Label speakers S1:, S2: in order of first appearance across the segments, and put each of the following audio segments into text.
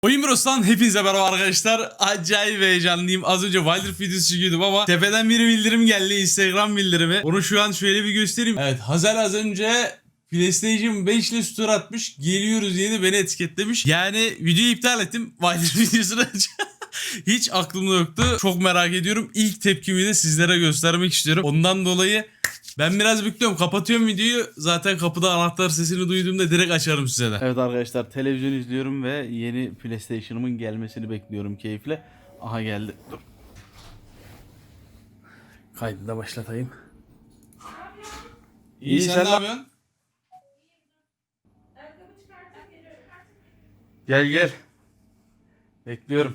S1: Oyun Bros'tan hepinize merhaba arkadaşlar. Acayip heyecanlıyım. Az önce Wilder videosu çekiyordum ama tepeden bir bildirim geldi. Instagram bildirimi. Onu şu an şöyle bir göstereyim. Evet, Hazel az önce PlayStation 5 ile story atmış. Geliyoruz diye beni etiketlemiş. Yani videoyu iptal ettim. Wilder videosunu hiç aklımda yoktu. Çok merak ediyorum. İlk tepkimi de sizlere göstermek istiyorum. Ondan dolayı ben biraz bekliyorum. Kapatıyorum videoyu. Zaten kapıda anahtar sesini duyduğumda direkt açarım size de.
S2: Evet arkadaşlar, televizyon izliyorum ve yeni PlayStation'ımın gelmesini bekliyorum keyifle. Aha geldi. Dur. Kaydı da başlatayım.
S1: İyi, sen ne yapıyorsun?
S2: Gel gel. Bekliyorum.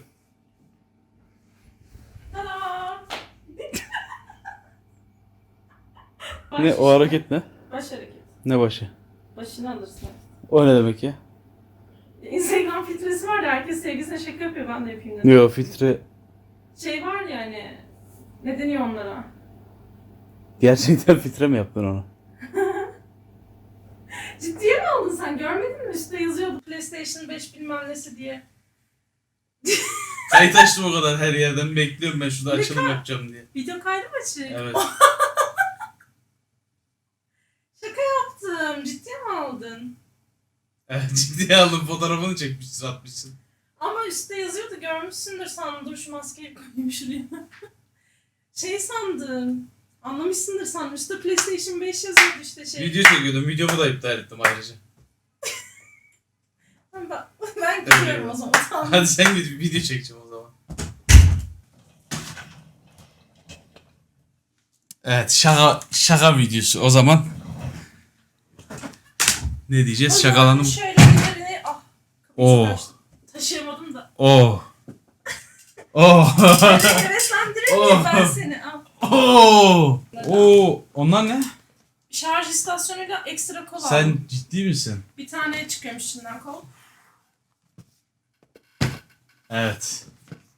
S2: Ne o hareket ne?
S3: Baş hareket.
S2: Ne başı?
S3: Başını alırsın.
S2: O ne demek ya?
S3: Instagram filtresi var ya, herkes sevgilisine şaka yapıyor, ben de yapayım dedim.
S2: Yo, filtre.
S3: Şey var ya hani, ne deniyor onlara?
S2: Gerçekten filtre mi yaptın onu?
S3: Ciddiye mi aldın sen? Görmedin mi? Üstte yazıyordu PlayStation 5 bilmem nesi diye.
S1: Kayıt açtım o kadar her yerden. Bekliyorum ben şurada açılım yapacağım diye.
S3: Video kaydı mı açık?
S1: Evet.
S3: Şaka yaptım. Ciddiye mi aldın?
S1: Evet, ciddiye aldım, fotoğrafını çekmişsin, atmışsın.
S3: Ama üstte yazıyordu, görmüşsündür sandım. Dur şu maskeyi koyayım şuraya. Şey sandım. Anlamışsındır sandım. Üstte PlayStation 5 yazıyordu işte şey.
S1: Video çekiyordum, videomu da iptal ettim ayrıca.
S3: Ben gidiyorum o zaman. Tamam.
S1: Hadi sen git, video çekeceğim o zaman. Evet, şaka videosu o zaman. Ne diyeceğiz? Şakalanım.
S3: Şöyle ellerini
S1: Oo.
S3: Taşıyamadım da.
S1: Oh. Oh.
S3: Heveslendireyim mi ben seni? Al.
S1: Oh. Oh. Onlar ne?
S3: Şarj istasyonuyla ekstra kol aldım.
S1: Sen ciddi misin?
S3: Bir tane çıkıyormuş içinden kol.
S1: Evet.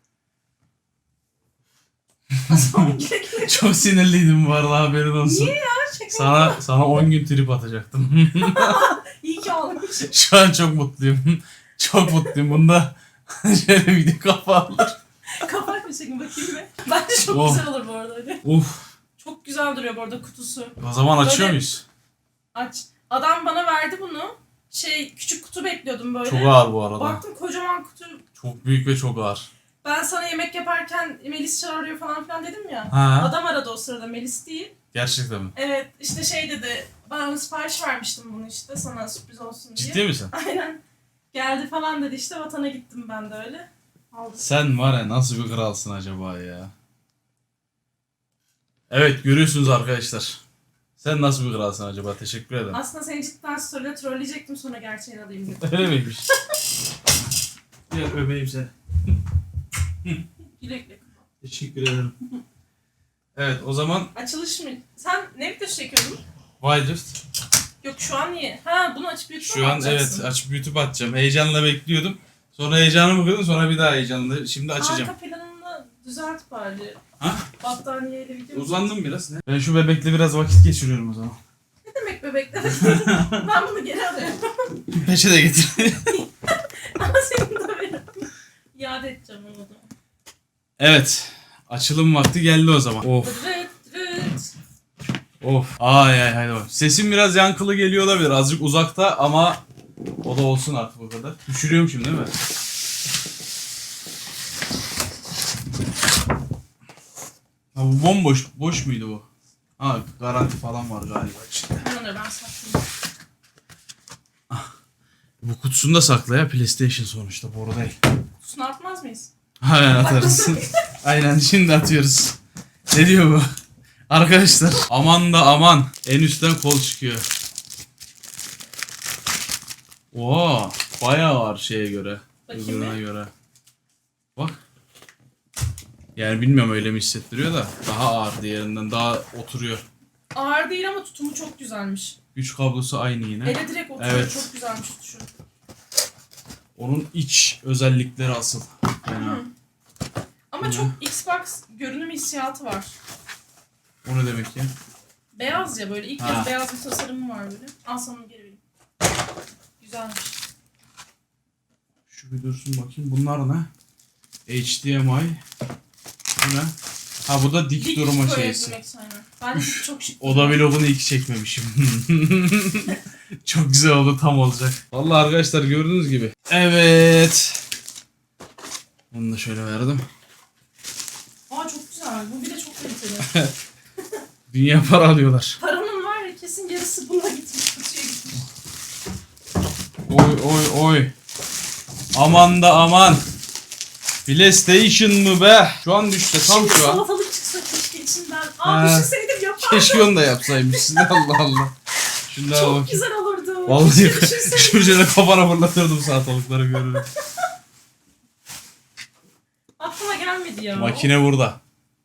S3: Son güle
S1: Çok sinirliydim bu arada, haberin olsun.
S3: Niye ya? Şaka.
S1: Sana 10 gün trip atacaktım.
S3: İyi ki olmuş.
S1: Şu an çok mutluyum. Çok mutluyum. Bunda şöyle video kapanır.
S3: Kapat bir şekilde bakayım be. Bence çok
S1: Oh.
S3: güzel olur bu arada öyle.
S1: Uf.
S3: Çok güzel duruyor bu arada kutusu.
S1: O zaman açıyor
S3: Böyle-
S1: muyuz?
S3: Aç. Adam bana verdi bunu. Küçük kutu bekliyordum böyle.
S1: Çok ağır bu arada.
S3: Baktım kocaman kutu.
S1: Çok büyük ve çok ağır.
S3: Ben sana yemek yaparken Melis çağırıyor falan filan dedim ya.
S1: Ha.
S3: Adam aradı o sırada, Melis değil.
S1: Gerçekten mi?
S3: Evet işte şey dedi, ben sipariş vermiştim bunu işte sana sürpriz olsun diye.
S1: Ciddi misin?
S3: Aynen. Geldi falan dedi işte, vatana gittim ben de öyle. Aldım.
S1: Sen var ya, nasıl bir kralsın acaba ya? Evet, görüyorsunuz arkadaşlar. Sen nasıl bir kralsın acaba? Teşekkür ederim.
S3: Aslında seni cidden story'le trolleyecektim, sonra gerçeğini alayım dedim.
S1: Öyle miymiş? Gel öpeyim seni.
S3: Güle güle.
S1: Teşekkür ederim. Evet, o zaman
S3: Açılış mı? Sen ne videosu çekiyordun?
S1: Wilder.
S3: Yok şu an niye? Ha, bunu açıp YouTube'a
S1: Şu
S3: mı
S1: an
S3: atacaksın?
S1: evet, açıp YouTube atacağım. Heyecanla bekliyordum. Sonra heyecanımı kırdım, sonra bir daha heyecanlı. Şimdi açacağım.
S3: Arka planını düzelt bari.
S1: Ha?
S3: Battaniyeyle video.
S1: Uzandım biraz. Ne? Ben şu bebekle biraz vakit geçiriyorum o zaman.
S3: Ne demek bebekler? Ben bunu geri alıyorum.
S1: Peçe de getir.
S3: Ama senin de benim. İade edeceğim onu da.
S1: Evet. Açılım vakti geldi o zaman. Of.
S3: Rıt rıt.
S1: Of. Ay ay hadi bak. Sesim biraz yankılı geliyor olabilir. Azıcık uzakta ama o da olsun artık o kadar. Düşürüyorum şimdi değil mi? Ha, bu bomboş. Boş muydu bu? Ha, garanti falan var galiba içinde.
S3: Onları ben saklayayım.
S1: Bu kutusunu da sakla ya, PlayStation sonuçta, boru değil.
S3: Kutusunu atmaz mıyız?
S1: Aynen atarız. Aynen şimdi atıyoruz. Ne diyor bu? Arkadaşlar aman da aman, en üstten kol çıkıyor. Oo, bayağı ağır şeye göre.
S3: Bakayım
S1: Öbürüne
S3: bir.
S1: göre. Bak. Yani bilmiyorum, öyle mi hissettiriyor da daha ağır diğerinden, daha oturuyor.
S3: Ağır değil ama tutumu çok güzelmiş.
S1: Güç kablosu aynı yine.
S3: Ele direkt oturuyor.
S1: Evet.
S3: Çok güzelmiş tutuşu.
S1: Onun iç özellikleri asıl. Yani,
S3: Ama çok Xbox görünüm hissiyatı var.
S1: o ne demek ya?
S3: Beyaz ya, böyle ilk
S1: Ha.
S3: kez beyaz bir tasarımı var böyle. Al sana onu geri vereyim. Güzelmiş.
S1: Şu bir dursun bakayım. Bunlar ne? HDMI. Bu ne? Ha bu da dik durma şeysi.
S3: Ben dik çok şık.
S1: Oda vlogunu iyi ki çekmemişim. Çok güzel oldu, tam olacak. Vallahi arkadaşlar gördüğünüz gibi. Evet. Bunu da şöyle verdim.
S3: Aa çok güzel. Bu bir de çok kaliteli.
S1: Dünya para alıyorlar.
S3: Paranın var ya kesin yarısı buna gitmiş. Kutuya gitmiş.
S1: Oy oy oy. Aman da aman. PlayStation mı be? Şu an düştü tam
S3: Şimdi
S1: şu an.
S3: salatalık çıksa keşke içinden.
S1: Ha.
S3: Düşünseydim yapardım.
S1: Keşke onu da yapsaymışsın. Allah Allah. Şunlara
S3: Çok
S1: bak.
S3: güzel olurdu.
S1: Vallahi
S3: Keşke düşünseydim.
S1: şu şöyle kafana fırlatırdım salatalıkları görürüm.
S3: Aklıma gelmedi ya.
S1: Makine burada.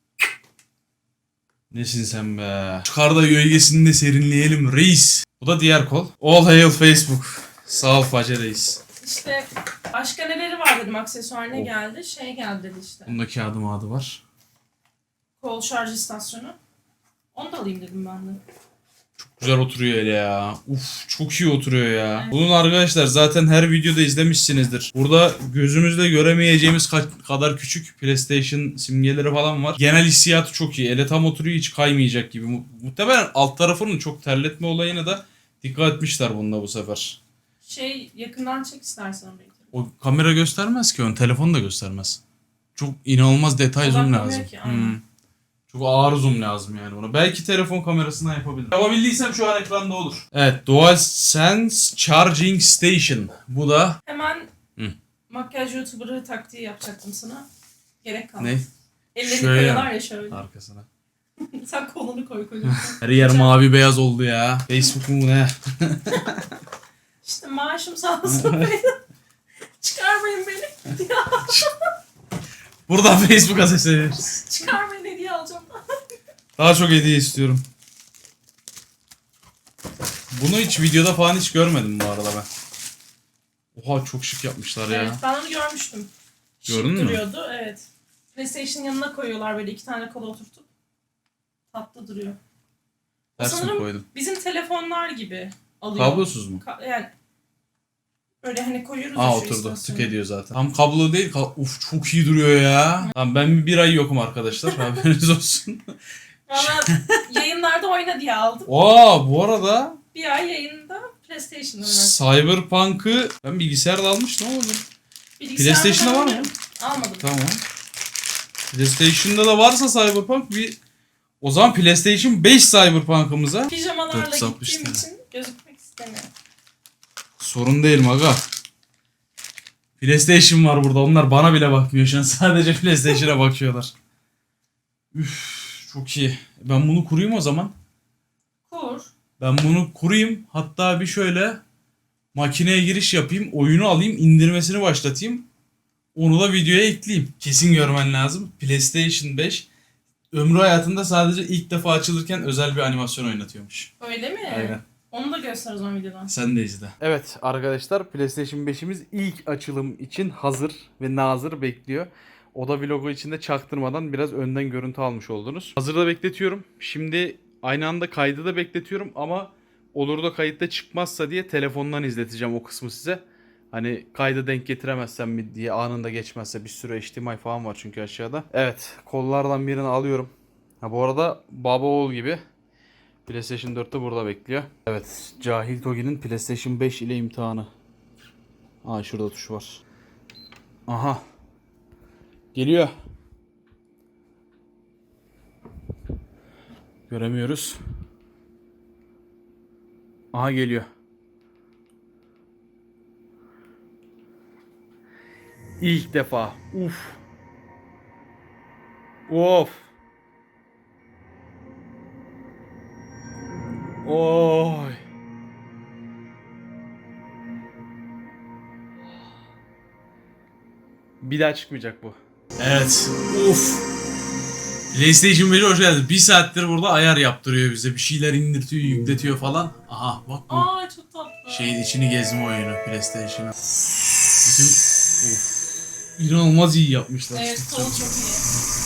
S1: Nesin sen be? Çıkar da gölgesinde serinleyelim reis. Bu da diğer kol. All hail Facebook. Sağ ol Face Reis.
S3: İşte başka neleri var dedim, aksesuar ne
S1: Oh.
S3: geldi? Şey geldi dedi işte.
S1: Bunda kağıdı adı var.
S3: Kol şarj istasyonu. Onu da alayım dedim ben de.
S1: Güzel oturuyor hele ya. Uf çok iyi oturuyor ya.
S3: Evet.
S1: Bunun arkadaşlar zaten her videoda izlemişsinizdir. Burada gözümüzle göremeyeceğimiz kadar küçük PlayStation simgeleri falan var. Genel hissiyatı çok iyi. Ele tam oturuyor, hiç kaymayacak gibi. Muhtemelen alt tarafının çok terletme olayına da dikkat etmişler bunda bu sefer.
S3: Şey yakından çek istersen orayı.
S1: O kamera göstermez ki onu. Telefon da göstermez. Çok inanılmaz detay zoom
S3: Odaklamıyor
S1: lazım.
S3: ki, aynen.
S1: Çok ağır zoom lazım yani buna. Belki telefon kamerasından yapabilirim. Yapabildiysem şu an ekranda olur. Evet, DualSense Charging Station. Bu da
S3: Hemen
S1: Hı.
S3: makyaj YouTuber'ı taktiği yapacaktım sana. Gerek kalmadı.
S1: ne?
S3: Ellerini
S1: Şöyle
S3: koyuyorlar ya şöyle.
S1: Arkasına.
S3: Sen kolunu koy koyuyorsun.
S1: Her yer mavi beyaz oldu ya. Facebook mu ne?
S3: İşte maaşım sağ olsun. Çıkarmayın beni.
S1: Buradan Facebook'a sesleniyoruz.
S3: Çıkarmayın, hediye alacağım.
S1: Daha çok hediye istiyorum. Bunu hiç videoda falan hiç görmedim bu arada ben. Oha çok şık yapmışlar ya.
S3: Evet, ben onu görmüştüm.
S1: Gördün mü?
S3: Şık duruyordu, evet. PlayStation yanına koyuyorlar böyle 2 tane kola oturtup. Tatlı duruyor.
S1: Ters mi
S3: Sanırım
S1: koydum?
S3: bizim telefonlar gibi alıyor.
S1: Kablosuz mu?
S3: Yani böyle hani koyuyoruz ya
S1: Aa
S3: şu
S1: oturdu.
S3: istasyonu.
S1: Tık ediyor zaten. Tam kablo değil. Uf çok iyi duruyor ya. Tamam ben bir ay yokum arkadaşlar. Haberiniz olsun.
S3: Valla yayınlarda oyna diye aldım.
S1: Aa bu arada
S3: Bir ay yayında PlayStation oynar.
S1: Cyberpunk'ı ben bilgisayarda almıştım ama PlayStation'da var mı?
S3: Almadım.
S1: Tamam. PlayStation'da da varsa Cyberpunk o zaman PlayStation 5 Cyberpunk'ımıza
S3: Pijamalarla
S1: 460
S3: gittiğim
S1: tane.
S3: için gözükmek istemiyorum.
S1: sorun değil maga. PlayStation var burada. Onlar bana bile bakmıyor şu an. Sadece PlayStation'a bakıyorlar. Üf, çok iyi. Ben bunu kurayım o zaman.
S3: Kur.
S1: Ben bunu kurayım. Hatta bir şöyle makineye giriş yapayım. Oyunu alayım. İndirmesini başlatayım. Onu da videoya ekleyeyim. Kesin görmen lazım. PlayStation 5 ömrü hayatında sadece ilk defa açılırken özel bir animasyon oynatıyormuş.
S3: Öyle mi?
S1: Aynen.
S3: Onu da göster o zaman videodan.
S1: Sen de izle.
S2: Evet arkadaşlar, PlayStation 5'imiz ilk açılım için hazır ve nazır bekliyor. Oda vlogu içinde çaktırmadan biraz önden görüntü almış oldunuz. Hazırda bekletiyorum. Şimdi aynı anda kaydı da bekletiyorum ama olur da kayıtta çıkmazsa diye telefondan izleteceğim o kısmı size. Hani kaydı denk getiremezsem mi diye, anında geçmezse, bir sürü HDMI falan var çünkü aşağıda. Evet, kollardan birini alıyorum. Ha bu arada baba oğul gibi. PlayStation 4'te burada bekliyor. Evet, Cahil Togi'nin PlayStation 5 ile imtihanı. Aa şurada tuş var. Aha. Geliyor. Göremiyoruz. Aha geliyor. İlk defa. Uf. Of. Oy. Bir daha çıkmayacak bu.
S1: Evet. Uf. PlayStation 5'e hoş geldin. Bir saattir burada ayar yaptırıyor bize. Bir şeyler indirtiyor, yükletiyor falan. Aha bak bu.
S3: Aa çok tatlı.
S1: Şeyin içini gezme oyunu PlayStation'a. Bütün... Of. İnanılmaz iyi yapmışlar.
S3: Evet, kolu çok iyi.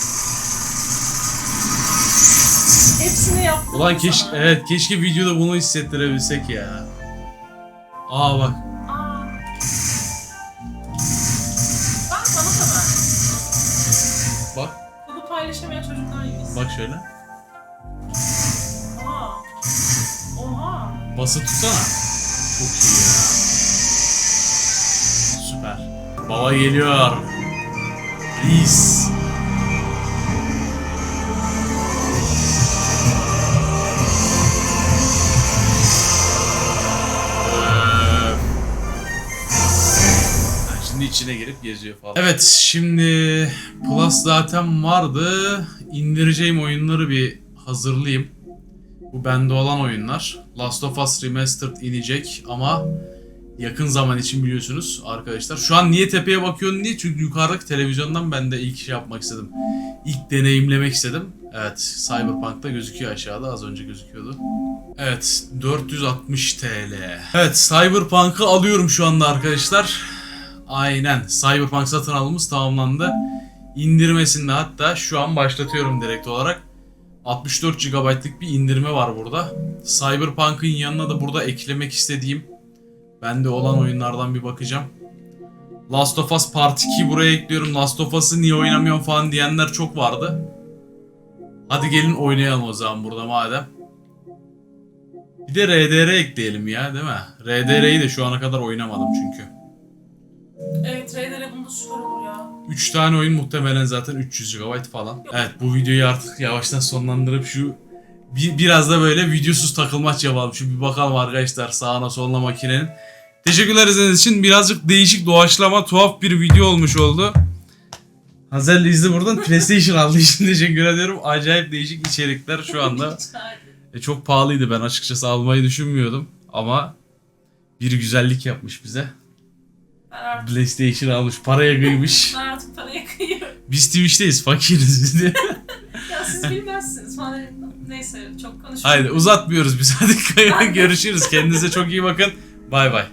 S3: Hepsini yaptım.
S1: Ulan keşke videoda bunu hissettirebilsek ya. Aa bak.
S3: Aa.
S1: Bak.
S3: Kodu paylaşamayan çocuklar gibiyiz.
S1: Bak şöyle.
S3: Oha. Oha.
S1: Bası tutsana. Çok iyi ya. Süper. Baba geliyor. Reis. Şimdi içine girip geziyor falan. Evet, şimdi Plus zaten vardı. İndireceğim oyunları bir hazırlayayım. Bu bende olan oyunlar. Last of Us Remastered inecek ama yakın zaman için biliyorsunuz arkadaşlar. Şu an niye tepeye bakıyorsun diye, çünkü yukarıdaki televizyondan ben de ilk şey yapmak istedim. İlk deneyimlemek istedim. Evet, Cyberpunk'ta gözüküyor aşağıda, az önce gözüküyordu. Evet, 460 TL. Evet, Cyberpunk'ı alıyorum şu anda arkadaşlar. Aynen, Cyberpunk satın alımımız tamamlandı. İndirmesinde hatta şu an başlatıyorum direkt olarak. 64 GB'lık bir indirme var burada. Cyberpunk'ın yanına da burada eklemek istediğim, bende olan oyunlardan bir bakacağım. Last of Us Part 2 buraya ekliyorum. Last of Us'ı niye oynamıyorum falan diyenler çok vardı. Hadi gelin oynayalım o zaman burada madem. Bir de RDR ekleyelim ya, değil mi? RDR'yi de şu ana kadar oynamadım çünkü.
S3: Evet, RDR bunda süper olur ya.
S1: 3 tane oyun muhtemelen zaten 300 GB falan. Evet, bu videoyu artık yavaştan sonlandırıp şu biraz da böyle videosuz takılmaç yapalım. Şu bir bakalım arkadaşlar sağına soluna makinenin. Teşekkürler izlediğiniz için. Birazcık değişik, doğaçlama, tuhaf bir video olmuş oldu. Hazel izle buradan PlayStation aldığı için teşekkür ediyorum. Acayip değişik içerikler şu anda. Çok pahalıydı, ben açıkçası almayı düşünmüyordum. Ama bir güzellik yapmış bize.
S3: Ben artık,
S1: PlayStation almış, paraya kıymış.
S3: ben artık paraya kıyıyorum.
S1: Biz Twitch'teyiz, fakiriz diye.
S3: Ya siz bilmezsiniz falan. Neyse, çok konuşmayayım.
S1: Haydi uzatmıyoruz biz, hadi görüşürüz. Kendinize çok iyi bakın. Bay bay.